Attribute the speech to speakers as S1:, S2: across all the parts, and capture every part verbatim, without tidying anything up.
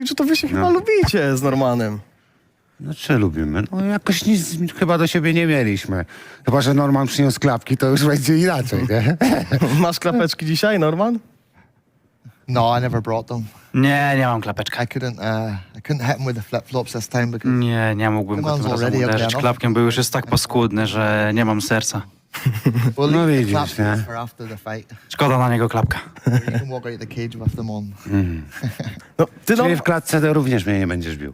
S1: że to wy się chyba
S2: No.
S1: lubicie z Normanem.
S2: No czy lubimy? No jakoś nic chyba do siebie nie mieliśmy. Chyba że Norman przyniósł klapki, to już będzie inaczej, nie?
S1: Masz klapeczki dzisiaj, Norman?
S3: No, I never brought them.
S4: Nie, nie mam klapeczka.
S3: I couldn't. Uh, I couldn't hit him with the flip flops this time because
S4: Nie, nie mógłbym go tym
S3: Chyba
S4: razem
S3: already
S4: uderzyć.
S3: ugly
S4: Klapkiem był już jest tak paskudny, że nie mam serca.
S3: we'll
S2: No
S3: leave the
S2: widzisz,
S3: claps
S2: nie?
S3: for after the fight.
S4: Szkoda na niego klapka.
S3: You can walk out the cage with them on.
S1: No, ty no,
S2: Czyli w klatce to również mnie nie będziesz bił.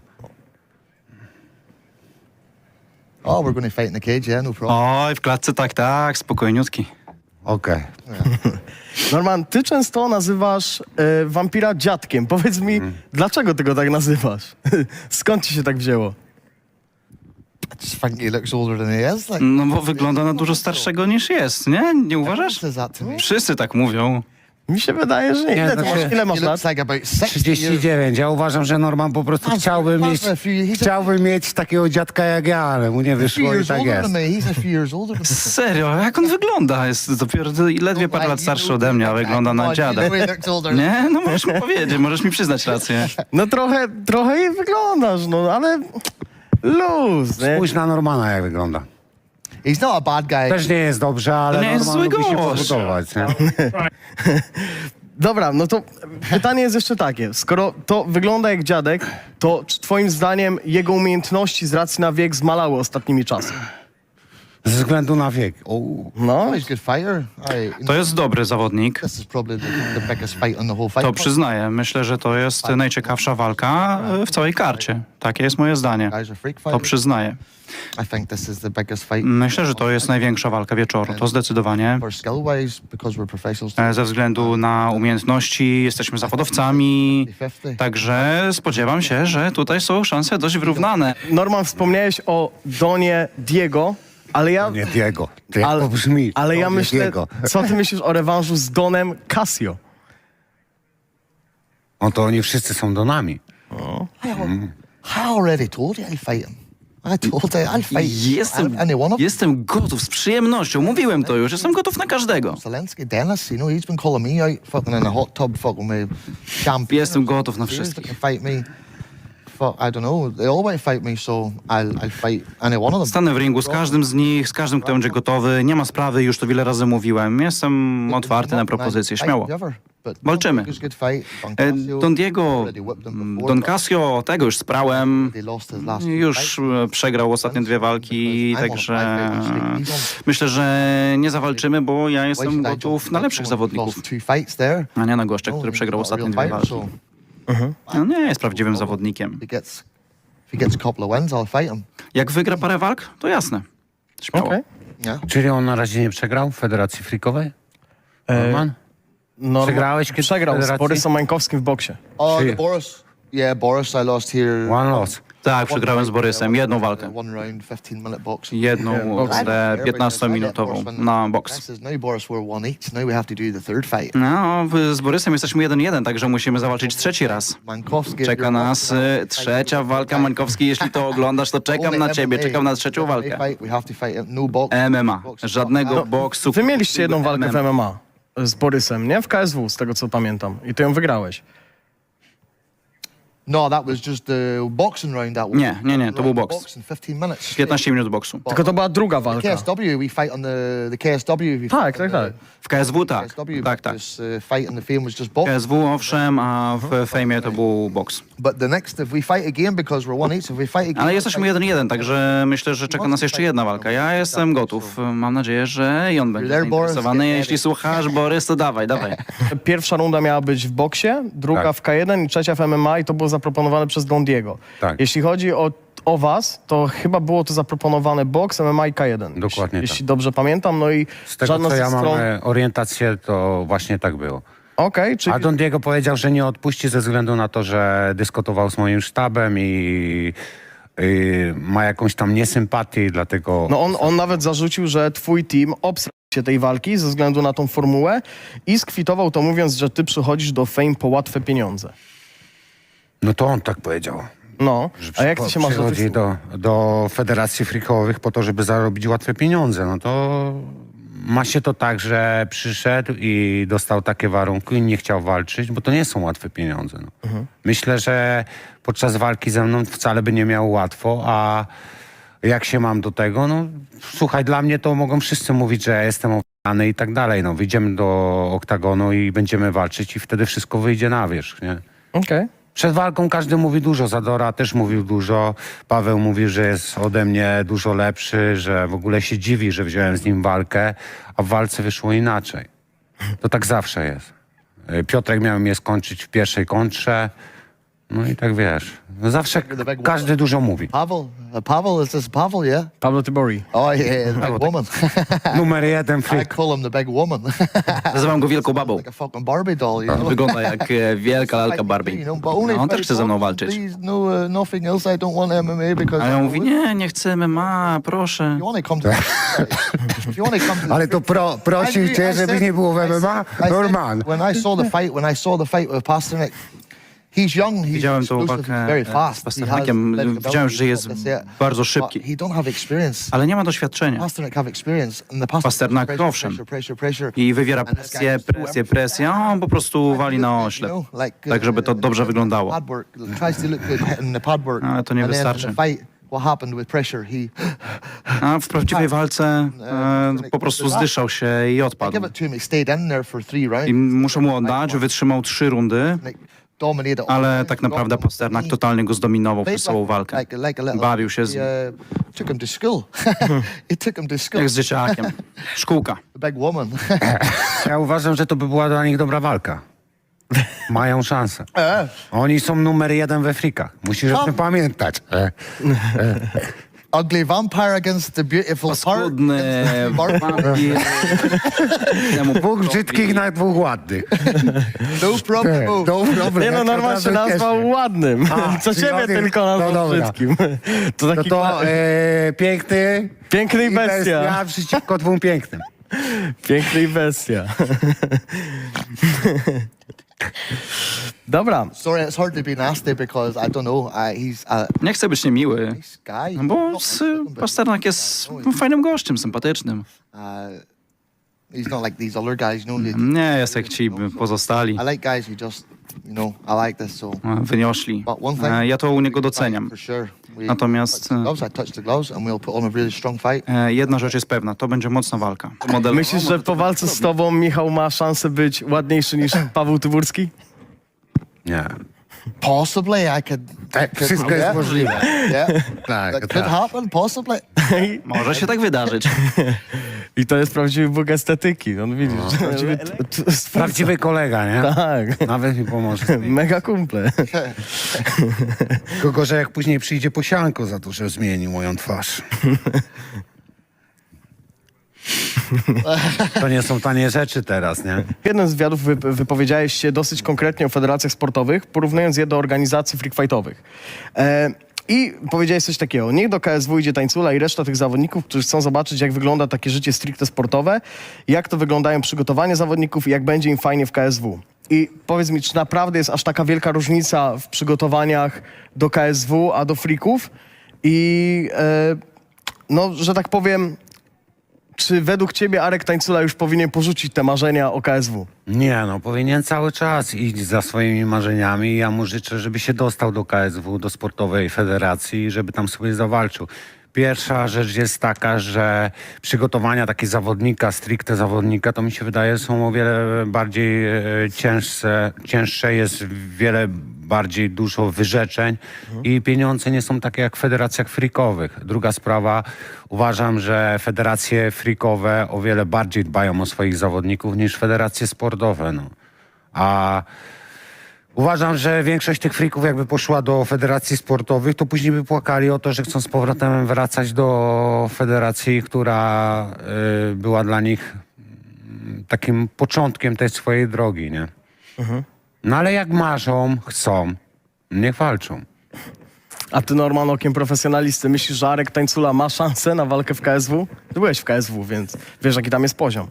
S3: Oh, we're going to fight in the cage, yeah, no problem.
S4: Oj, w klatce tak, tak, spokojniutki.
S2: Okej.
S1: Norman, ty często nazywasz e, wampira dziadkiem. Powiedz mi, dlaczego ty go tak nazywasz? Skąd ci się tak wzięło?
S3: I just think he looks older than he is. Like,
S4: No bo wygląda na dużo starszego niż jest, nie? Nie uważasz?
S3: says that to me.
S4: Wszyscy tak mówią.
S1: Mi się wydaje, że nie.
S2: Nie,
S1: Ile, ty
S2: znaczy-
S1: masz, ile masz
S3: He looks
S1: lat?
S3: like about sixty years.
S2: trzydzieści dziewięć. Ja uważam, że Norman po prostu
S3: That's-
S2: chciałby
S3: that's
S2: mieć,
S3: a few- he's a-
S2: chciałby mieć takiego dziadka jak ja, ale mu nie
S3: A few
S2: wyszło i
S3: years
S2: tak
S3: older
S2: jest.
S3: than me. He's a few years older than me.
S4: Serio, jak on wygląda? Jest dopiero ledwie parę lat starszy ode mnie, a wygląda na dziada. Nie? No możesz mi powiedzieć, możesz mi przyznać rację.
S1: No trochę, trochę jej wyglądasz, no ale luz, nie?
S2: Spójrz na Normana, jak wygląda.
S3: He's not a bad guy.
S2: Też nie jest dobrze, ale
S4: To nie jest
S2: Norman
S4: zły
S2: lubi się
S4: gość.
S2: podobać, nie?
S1: Dobra, no to pytanie jest jeszcze takie. Skoro to wygląda jak dziadek, to czy twoim zdaniem jego umiejętności z racji na wiek zmalały ostatnimi czasy?
S2: Ze względu na wiek. O,
S1: No,
S3: Oh, he's a good fighter. I,
S4: To jest dobry zawodnik.
S3: This is probably the, the biggest fight in the whole fight.
S4: To przyznaję. Myślę, że to jest najciekawsza walka e, w całej karcie. Takie jest moje zdanie.
S3: Guys are freak
S4: To
S3: fighters.
S4: przyznaję.
S3: I think this is the biggest fight.
S4: Myślę, że to jest największa walka wieczoru. To zdecydowanie.
S3: For skill wise, because we're professionals.
S4: E, Ze względu na umiejętności jesteśmy zawodowcami.
S3: fifty.
S4: Także spodziewam się, że tutaj są szanse dość wyrównane.
S1: Norman, wspomniałeś o Donie Diego, ale ja...
S2: nie Diego. Ty jak
S1: Ale,
S2: to brzmi?
S1: ale ja
S2: To nie
S1: myślę,
S2: Diego.
S1: co ty myślisz o rewanżu z Donem Casio?
S2: No to oni wszyscy są donami.
S3: I, al- I already told you I'll fight him. I told you I'll fight
S4: Jestem,
S3: any one of them.
S4: jestem gotów z przyjemnością. Mówiłem to już. Jestem gotów na każdego.
S3: Zelensky, Dennis, you know, he's been calling me out fucking in a hot tub, fucking with champagne.
S4: Jestem gotów na
S3: He's
S4: wszystkich.
S3: looking to fight me. Fuck, I don't know. They all want to fight me, so I'll, I'll fight any one of them.
S4: Stanę w ringu z każdym z nich, z każdym, kto będzie gotowy. Nie ma sprawy, już to wiele razy mówiłem. Jestem otwarty na propozycje, śmiało. Walczymy. E, Don Diego, mm, Don Casio, tego już sprałem. Już e, przegrał ostatnie dwie walki, także myślę, że nie zawalczymy, bo ja jestem gotów na lepszych zawodników, a nie na gościa, który przegrał ostatnie dwie walki. No nie jest prawdziwym zawodnikiem.
S3: He gets, if he gets a couple of wins, I'll fight him.
S4: Jak wygra parę walk, to jasne. Śmiało.
S1: Okej.
S3: Yeah.
S2: Czyli on na razie nie przegrał w Federacji Freakowej? Norman?
S1: Norman-
S2: Przegrałeś kiedyś w
S1: Przegrał z
S2: federacji?
S1: Borysem Mańkowskim w boksie.
S3: Oh,
S2: Czyli-
S3: the Boris. Yeah, Boris, I lost here.
S2: One loss.
S4: Tak, przegrałem z Borysem. Jedną walkę.
S3: One round, fifteen minute boxing.
S4: Jedną tę piętnastominutową na boks.
S3: This is now Boris, we're one each. Now we have to do the third fight.
S4: No, w- z Borysem jesteśmy jeden jeden, także musimy zawalczyć trzeci raz.
S3: Mankowski.
S4: Czeka nas y, trzecia walka. Mańkowski, jeśli to oglądasz, to czekam na ciebie, czekam na trzecią walkę.
S3: We have to fight no box.
S4: M M A. Żadnego boksu.
S1: Wy mieliście jedną walkę w
S4: M M A.
S1: M M A z Borysem, nie? W K S W, z tego co pamiętam. I ty ją wygrałeś.
S3: No, that was just the boxing round. That was
S4: Nie, nie, nie, to był boks.
S3: Boxing, fifteen minutes.
S4: piętnaście minut boksu.
S1: Tylko to była druga
S3: The
S1: walka.
S3: K S W, we fight on the the K S W. We
S1: Tak,
S3: fight
S1: tak,
S3: on
S1: tak.
S3: the
S4: W K S W tak.
S3: K S W,
S4: Tak, tak.
S3: This uh, fight in the fame was just
S4: W
S3: boxing.
S4: K S W owszem, a w fejmie to był boks.
S3: But the next, if we fight again, because we're one each, if we fight again.
S4: Ale jesteśmy jeden jeden, także myślę, że czeka nas jeszcze jedna walka. Ja jestem gotów. Mam nadzieję, że i on będzie
S3: There, Boris,
S4: zainteresowany.
S3: get
S4: Jeśli
S3: ready.
S4: słuchasz, Borys, to dawaj, dawaj.
S1: Pierwsza runda miała być w boksie, druga
S2: Tak.
S1: w K jeden i trzecia w M M A i to było zaproponowane przez Don Diego.
S2: Tak.
S1: Jeśli chodzi o, o was, to chyba było to zaproponowane boks, M M A i K jeden.
S2: Dokładnie
S1: jeśli,
S2: tak.
S1: jeśli dobrze pamiętam, no i
S2: Z tego,
S1: żadna
S2: co
S1: z
S2: ja
S1: tych
S2: mam
S1: stron...
S2: e, orientację, to właśnie tak było.
S1: Okej, czyli...
S2: A Don Diego powiedział, że nie odpuści ze względu na to, że dyskutował z moim sztabem i, i ma jakąś tam niesympatię i dlatego...
S1: No on, on nawet zarzucił, że twój team obsrał się tej walki ze względu na tą formułę i skwitował to mówiąc, że ty przychodzisz do Fame po łatwe pieniądze.
S2: No to on tak powiedział.
S1: No,
S2: Że
S1: a jak ty się masz do tych
S2: przychodzi
S1: słów?
S2: do, do federacji freakowych po to, żeby zarobić łatwe pieniądze. No to ma się to tak, że przyszedł i dostał takie warunki i nie chciał walczyć, bo to nie są łatwe pieniądze. No.
S1: Mhm.
S2: Myślę, że podczas walki ze mną wcale by nie miał łatwo, a jak się mam do tego, no słuchaj, dla mnie to mogą wszyscy mówić, że ja jestem ofiarny i tak dalej. No, wyjdziemy do oktagonu i będziemy walczyć i wtedy wszystko wyjdzie na wierzch, nie?
S1: Okej.
S2: Przed walką każdy mówi dużo, Zadora też mówił dużo, Paweł mówi, że jest ode mnie dużo lepszy, że w ogóle się dziwi, że wziąłem z nim walkę, a w walce wyszło inaczej. To tak zawsze jest. Y, Piotrek miał mnie skończyć w pierwszej kontrze, no i tak wiesz. No zawsze każdy dużo mówi.
S3: Pavel, uh, Pavel, is this Pavel, yeah?
S1: Pablo Tybori.
S3: Oh, yeah, the big woman.
S2: Numer jeden
S3: I
S2: freak.
S3: call him the big woman.
S4: Nazywam go Wielką Babą.
S3: Like a fucking Barbie doll, you know?
S4: Wygląda jak e, wielka lalka Barbie.
S3: You know, but only
S4: No, on też
S3: fight
S4: chce ze mną
S3: boxing,
S4: walczyć.
S3: please, no, uh, nothing else. I don't want M M A because...
S4: Ale on mówi, nie, nie chcę M M A, proszę.
S3: You want to come to... If you want to come to...
S2: Ale to pro, prosił cię, żebyś nie było w M M A? Norman.
S3: When I saw the fight, when I saw the fight with Pasternak, he's young, he's
S4: Widziałem tą
S3: explosive,
S4: walkę
S3: he's very
S4: e,
S3: fast.
S4: z Pasternakiem.
S3: He has plenty of
S4: Widziałem,
S3: ability,
S4: że jest
S3: that's it.
S4: bardzo
S3: But
S4: szybki.
S3: he don't have experience.
S4: Ale nie ma doświadczenia.
S3: Pasternak have experience. And the Pasternak,
S4: Pasternak,
S3: pressure,
S4: owszem.
S3: pressure, pressure, pressure.
S4: I wywiera
S3: And this guy
S4: presję,
S3: just do
S4: presję,
S3: everything.
S4: presję, a on po prostu wali na oślep.
S3: You know, like,
S4: Tak, żeby to
S3: uh,
S4: dobrze wyglądało.
S3: pad work, tries to look good in the pad work.
S4: Ale to nie
S3: And then in
S4: wystarczy.
S3: the fight, what happened with pressure? He
S4: A w prawdziwej walce e, po prostu zdyszał się i
S3: I give
S4: odpadł.
S3: it to him. He stayed in there for three rounds.
S4: I muszę mu oddać, wytrzymał trzy rundy,
S3: Like, dominated all
S4: ale
S3: rounds,
S4: tak naprawdę
S3: got him.
S4: Pasternak
S3: He
S4: totalnie go zdominował
S3: played
S4: przez całą
S3: like-
S4: walkę.
S3: like- like a little-
S4: Bawił się z nim.
S3: He, uh, took him to school. He took him to school.
S4: Jak z dzieciakiem. Szkółka.
S3: The big woman.
S2: Ja uważam, że to by była dla nich dobra walka. Mają szansę. Oni są numer jeden we frikach. Musisz o tym pamiętać. E.
S3: Ugly vampire against the beautiful park.
S4: Paskudny wampir. Temu
S2: Dwóch brzydkich na dwóch ładnych.
S3: No problem.
S2: No problem.
S1: Nie no, Norman się nazwał ładnym.
S2: A,
S1: Co
S2: czyli
S1: ciebie
S2: ładny-
S1: tylko
S2: no
S1: nazwał
S2: dobra.
S1: brzydkim. To
S2: To
S1: taki
S2: to e, piękny
S1: piękny i
S2: i
S1: bestia.
S2: bestia przeciwko dwóm pięknym.
S1: Piękny i bestia. Dobra.
S3: Sorry, it's hard to be nasty because I don't know. Uh, he's a
S4: Nie chcę być niemiły,
S3: nice guy.
S4: no bo
S3: Not
S4: s-
S3: like him, but
S4: Pasternak jest fajnym gościem, sympatycznym.
S3: Uh, he's not like these other guys, you know. they-
S4: Nie jest jak ci pozostali,
S3: I like guys who just, you know, I like this. So,
S4: e, wyniośli.
S3: but one thing,
S4: E, Ja to u niego doceniam.
S3: for sure. We
S4: Natomiast,
S3: touch the gloves, I touch the gloves, and we'll put on a really strong fight.
S4: e, jedna rzecz jest pewna, to będzie mocna walka. Model...
S1: Myślisz, że po walce z tobą Michał ma szansę być ładniejszy niż Paweł Tyburski?
S2: Nie.
S3: Possibly, I could.
S2: Tak,
S3: could-
S2: wszystko jest
S3: yeah,
S2: możliwe.
S3: Yeah,
S2: Tak,
S3: that could
S2: tak.
S3: happen. Possibly.
S4: Może się tak wydarzyć.
S1: I to jest prawdziwy bóg estetyki. On widzisz, prawdziwy t- t- stwórca.
S2: Prawdziwy kolega, nie?
S1: Tak.
S2: Nawet mi pomoże. z tym.
S1: Mega kumple.
S2: Tylko, że jak później przyjdzie posianko za to, że zmienił moją twarz. To nie są tanie rzeczy teraz, nie?
S1: W jednym z wywiadów wy, wypowiedziałeś się dosyć konkretnie o federacjach sportowych, porównując je do organizacji freakfightowych. E, I powiedziałeś coś takiego. Niech do K S W idzie Tańcula i reszta tych zawodników, którzy chcą zobaczyć, jak wygląda takie życie stricte sportowe, jak to wyglądają przygotowania zawodników i jak będzie im fajnie w K S W. I powiedz mi, czy naprawdę jest aż taka wielka różnica w przygotowaniach do K S W, a do freaków? I e, no, że tak powiem, czy według ciebie Arek Tańcula już powinien porzucić te marzenia o K S W?
S2: Nie, no powinien cały czas iść za swoimi marzeniami. Ja mu życzę, żeby się dostał do K S W, do sportowej federacji i żeby tam sobie zawalczył. Pierwsza rzecz jest taka, że przygotowania takiego zawodnika, stricte zawodnika, to mi się wydaje, są o wiele bardziej e, cięższe, cięższe, jest wiele bardziej dużo wyrzeczeń i pieniądze nie są takie jak w federacjach freakowych. Druga sprawa, uważam, że federacje freakowe o wiele bardziej dbają o swoich zawodników niż federacje sportowe. No. A uważam, że większość tych frików jakby poszła do federacji sportowych, to później by płakali o to, że chcą z powrotem wracać do federacji, która y, była dla nich mm, takim początkiem tej swojej drogi, nie? No ale jak marzą, chcą, niech walczą.
S1: A ty, Norman, okiem profesjonalisty, myślisz, że Arek Tańcula ma szansę na walkę w K S W? Ty byłeś w K S W, więc wiesz, jaki tam jest poziom.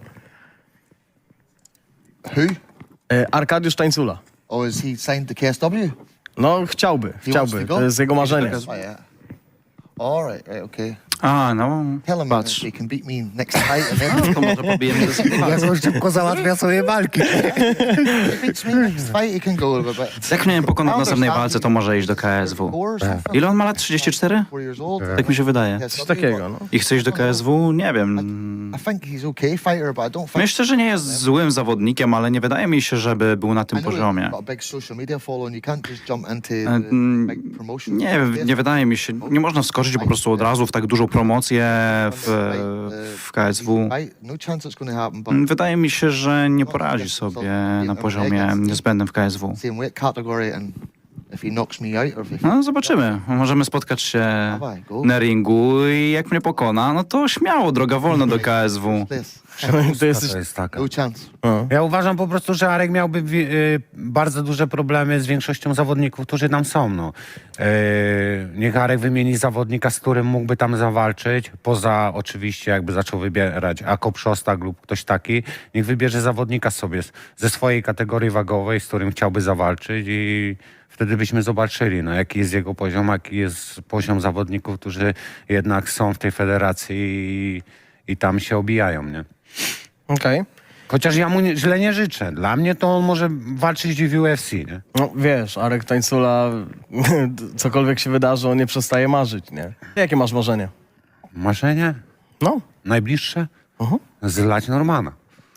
S3: Who?
S1: E, Arkadiusz Tańcula.
S3: Or is he signed to K S W?
S1: No, chciałby,
S3: He wants
S1: chciałby.
S3: to go?
S1: To jest jego marzenie.
S3: Oh, yeah. All right, right, okay.
S4: A, no,
S3: Tell him
S4: patrz.
S3: he can beat me next fight, and then
S4: To może pobijemy to
S2: Jak on szybko załatwia sobie walki.
S3: he beats me next fight, he can go a bit.
S4: Jak mnie pokona w następnej walce, to może iść do K S W. Ile on ma lat? trzydzieści cztery?
S3: Four years old.
S4: Tak mi się wydaje.
S3: Yes,
S1: Coś takiego, no.
S4: I chce iść do K S W? Nie wiem.
S3: I think he's okay fighter, but I don't think.
S4: Myślę, że nie jest złym zawodnikiem, ale nie wydaje mi się, żeby był na tym
S3: I know he's
S4: poziomie.
S3: got a big social media following. You can't just jump into
S4: E,
S3: the
S4: mm,
S3: big promotion.
S4: Nie, nie wydaje mi się. Nie można wskoczyć po prostu od razu w tak dużą promocję w, w K S W.
S3: Fight, no chance it's going to happen, but
S4: Wydaje mi się, że nie poradzi sobie na poziomie niezbędnym w K S W.
S3: same weight category, and if he knocks me out, or if he
S4: No zobaczymy. Możemy spotkać się na ringu i jak mnie pokona, no to śmiało, droga wolna do K S W.
S3: this,
S1: To jesteś...
S2: To jest taka.
S3: no chance.
S2: Ja uważam po prostu, że Arek miałby wi- y, bardzo duże problemy z większością zawodników, którzy tam są. No. Y, niech Arek wymieni zawodnika, z którym mógłby tam zawalczyć, poza oczywiście jakby zaczął wybierać Akop Szostak lub ktoś taki, niech wybierze zawodnika sobie z, ze swojej kategorii wagowej, z którym chciałby zawalczyć i wtedy byśmy zobaczyli, no, jaki jest jego poziom, jaki jest poziom zawodników, którzy jednak są w tej federacji i, i tam się obijają, nie?
S1: Okej.
S2: Chociaż ja mu nie, źle nie życzę. Dla mnie to on może walczyć w U F C, nie?
S1: No wiesz, Arek Tańcula, cokolwiek się wydarzy, on nie przestaje marzyć, nie? Jakie masz marzenie?
S2: Marzenie?
S1: No.
S2: Najbliższe?
S1: Mhm.
S2: Zlać Normana.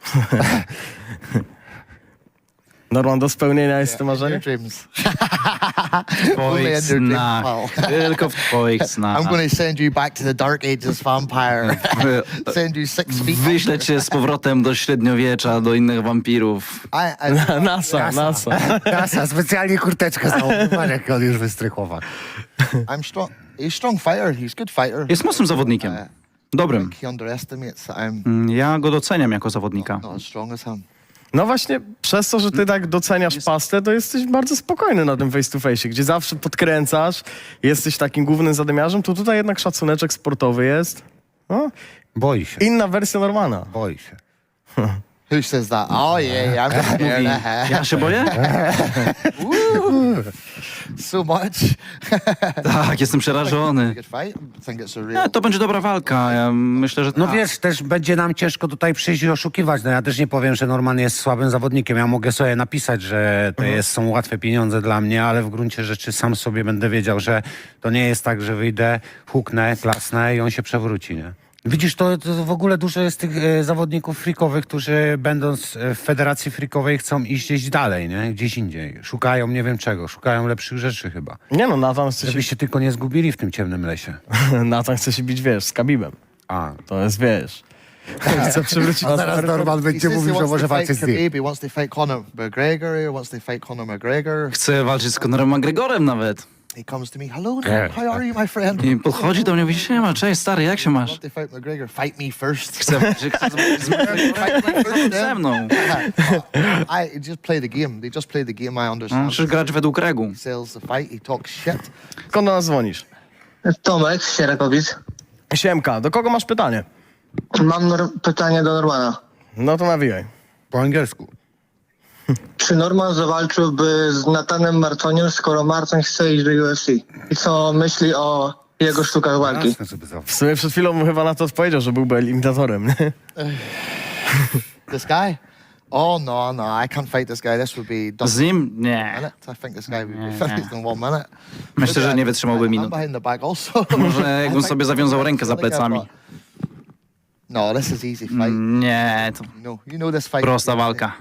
S1: Norman, do spełnienia jest to marzenie?
S3: Your dreams.
S4: W
S3: Only in
S4: twoich
S3: your dreams,
S4: snach.
S3: pal.
S4: Tylko w twoich snach.
S3: I'm going to send you back to the dark ages, vampire. Send you six feet.
S4: Wyślę cię z powrotem do średniowiecza, do innych wampirów.
S3: I, I,
S1: NASA, NASA.
S2: Kasa, specjalnie kurteczkę założył, jak on już wystrychował.
S3: I'm strong. He's a strong fighter. He's a good fighter.
S4: Jest mocnym zawodnikiem. Dobrym.
S3: He underestimates that I'm
S4: Mm, Ja go doceniam jako zawodnika.
S3: not as strong as him.
S1: No właśnie, przez to, że ty tak doceniasz pastę, to jesteś bardzo spokojny na tym face to face, gdzie zawsze podkręcasz, jesteś takim głównym zadymiarzem, to tutaj jednak szacuneczek sportowy jest. No,
S2: Boi się,
S1: inna wersja Normana.
S2: boi się.
S3: Who says that? Oh yeah, yeah. I'm gonna hear
S4: Mówi,
S3: that.
S4: ja się boję?
S3: So much.
S4: Tak, jestem przerażony.
S3: Good fight. I think it's a
S4: Nie,
S3: real.
S4: to będzie dobra walka. Ja myślę, że
S2: No
S4: tak.
S2: wiesz, też będzie nam ciężko tutaj przyjść i oszukiwać. No ja też nie powiem, że Norman jest słabym zawodnikiem. Ja mogę sobie napisać, że to jest, są łatwe pieniądze dla mnie, ale w gruncie rzeczy sam sobie będę wiedział, że to nie jest tak, że wyjdę, huknę, klasnę i on się przewróci, nie? Widzisz, to, to w ogóle dużo jest tych e, zawodników freakowych, którzy będąc e, w federacji freakowej chcą iść gdzieś dalej, nie? Gdzieś indziej. Szukają nie wiem czego, szukają lepszych rzeczy chyba.
S1: Nie no, Nathan chce,
S2: Żeby
S1: się,
S2: się tylko nie zgubili w tym ciemnym lesie.
S1: Nathan chce się bić, wiesz, z Khabibem.
S2: A,
S1: To jest, wiesz... Chce przywrócić...
S2: A zaraz Norman
S3: He
S2: będzie
S3: says he
S2: mówił, że
S3: wants
S2: może
S3: to
S2: walczyć
S3: fight
S2: z nim.
S3: Khabib. He wants to fight Conor McGregor. He wants to fight Conor McGregor.
S4: Chcę walczyć z Conorem McGregorem nawet.
S3: He comes to me. Hello,
S2: Yeah.
S3: how are you, my friend?
S4: I podchodzi do mnie i mówi, siema, cześć stary, jak się
S3: I
S4: masz?
S3: want to fight McGregor. Fight me first.
S4: Chcę walczyć chcę walczyć z McGregorem ze mną.
S3: I just play the game. They just play the game. I
S4: No,
S3: understand.
S4: Musisz grać według reguł.
S3: He sells the fight. He talks shit.
S1: Skąd do nas dzwonisz?
S5: Tomek, Sierakowic.
S1: Siemka, do kogo masz pytanie?
S5: Mam nor- pytanie do Normana.
S1: No to nawijaj.
S2: po angielsku.
S5: Czy Norman zawalczyłby z Natanem Martoniem, skoro Marton chce iść do U F C? I co myśli o jego sztukach walki?
S2: Jasne, żeby za-
S1: W sumie przed chwilą mu chyba na to odpowiedział, że byłby eliminatorem, nie?
S3: This guy? Oh no, no, I can't fight this guy. This would be done
S4: Z nim?
S3: in a
S4: Nie.
S3: minute. I think this guy would be
S4: Nie,
S3: finished in one minute.
S4: Myślę, że nie wytrzymałby
S3: I'm
S4: minut.
S3: behind the back also.
S4: Może jakbym sobie zawiązał rękę za plecami.
S3: No, this is easy fight.
S4: Nie, to
S3: You know, you know this fight.
S4: prosta walka.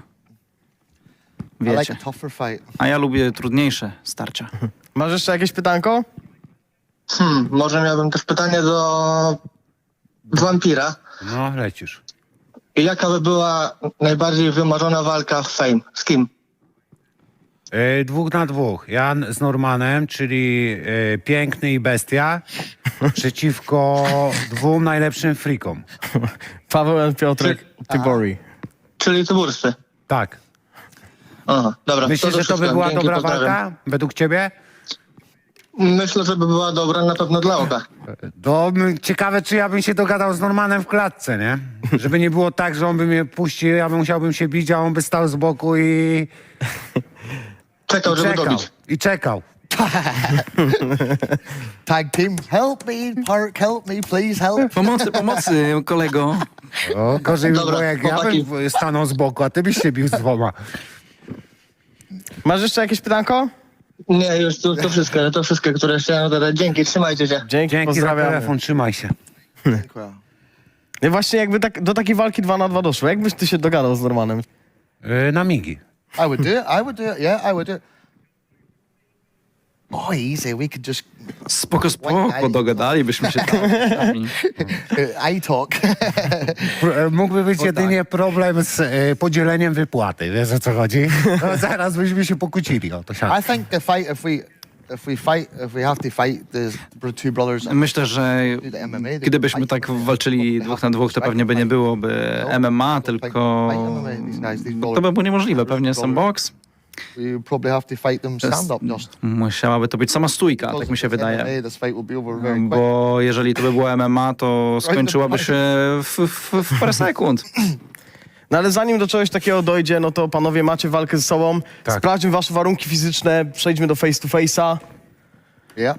S3: I like
S4: Wiecie.
S3: a tougher fight.
S4: A ja lubię trudniejsze starcia.
S1: Masz jeszcze jakieś pytanko?
S5: Hmm, może miałbym też pytanie do Wampira.
S2: No, lecisz.
S5: I jaka by była najbardziej wymarzona walka w Fame? Z kim?
S2: E, dwóch na dwóch. Ja z Normanem, czyli e, piękny i bestia, przeciwko dwóm najlepszym freakom.
S1: Paweł i Piotrek Tybori.
S5: Czyli Tyburscy.
S2: Tak.
S5: Aha, dobra.
S2: Myślisz, że to by
S5: wszystko.
S2: była
S5: Dzięki,
S2: dobra
S5: pozdrawiam.
S2: walka według ciebie?
S5: Myślę, że by była dobra na pewno dla oka.
S2: To m, ciekawe, czy ja bym się dogadał z Normanem w klatce, nie? Żeby nie było tak, że on by mnie puścił, ja bym musiałbym się bić, a on by stał z boku i,
S5: Czekał,
S2: i
S5: żeby
S2: czekał.
S5: dobić.
S2: I czekał.
S3: Tag team, help me, Park, help me, please help.
S4: Pomocy, pomocy, kolego.
S2: O, gorzej by
S5: Dobra,
S2: było, jak ja
S5: chłopaki.
S2: bym stanął z boku, a ty byś się bił z dwoma.
S1: Masz jeszcze jakieś pytanko?
S5: Nie, już to, to wszystko, to wszystko, które chciałem zadać. Dzięki, trzymajcie się.
S1: Dzięki,
S2: Dzięki za
S1: pozdrawiam.
S2: telefon, trzymaj się.
S1: No właśnie jakby tak, do takiej walki dwa na dwa doszło. Jakbyś ty się dogadał z Normanem?
S2: Yy, na migi.
S3: I would do it, I would do it, yeah, I would do it. Oh, easy, we could just
S4: Spoko, spoko, dogadalibyśmy się tam.
S3: uh, I talk.
S2: Pr- e, Mógłby być jedynie problem z e, podzieleniem wypłaty, wiesz o co chodzi? No, zaraz byśmy się pokłócili o to siano.
S3: I think the fight, if we, if we fight, if we have to fight the br- two brothers,
S4: Myślę, że
S3: do the M M A, they
S4: gdybyśmy
S3: fight
S4: tak
S3: them.
S4: walczyli dwóch na dwóch, to pewnie by nie byłoby M M A, tylko to by było niemożliwe. Pewnie sam boks.
S3: We probably have to fight them stand up just.
S4: Musiałaby to być sama stójka, tak mi się wydaje. Bo jeżeli to by było M M A, to skończyłaby się w, w, w parę sekund.
S1: No ale zanim do czegoś takiego dojdzie, no to panowie macie walkę ze sobą.
S2: Tak.
S1: Sprawdźmy wasze warunki fizyczne, przejdźmy do face to face'a.
S3: Yeah.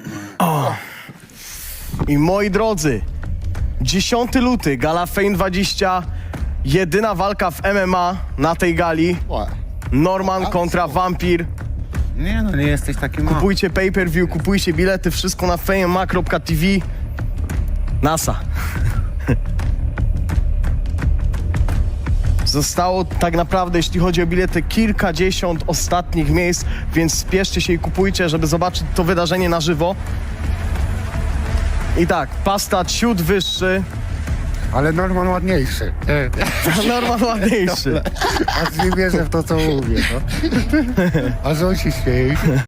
S1: I moi drodzy, dziesiąty luty, gala Fame dwadzieścia, jedyna walka w M M A na tej gali.
S3: What?
S1: Norman kontra Vampir.
S2: Nie no, nie jesteś taki mały.
S1: Kupujcie pay-per-view, kupujcie bilety, wszystko na fame M M A kropka T V. NASA. Zostało tak naprawdę, jeśli chodzi o bilety, kilkadziesiąt ostatnich miejsc, więc spieszcie się i kupujcie, żeby zobaczyć to wydarzenie na żywo. I tak, pasta ciut wyższy,
S2: Ale Norman ładniejszy. E,
S1: Norman ładniejszy.
S2: Aż nie wierzę w to, co mówię. No. Aż on się śmieje.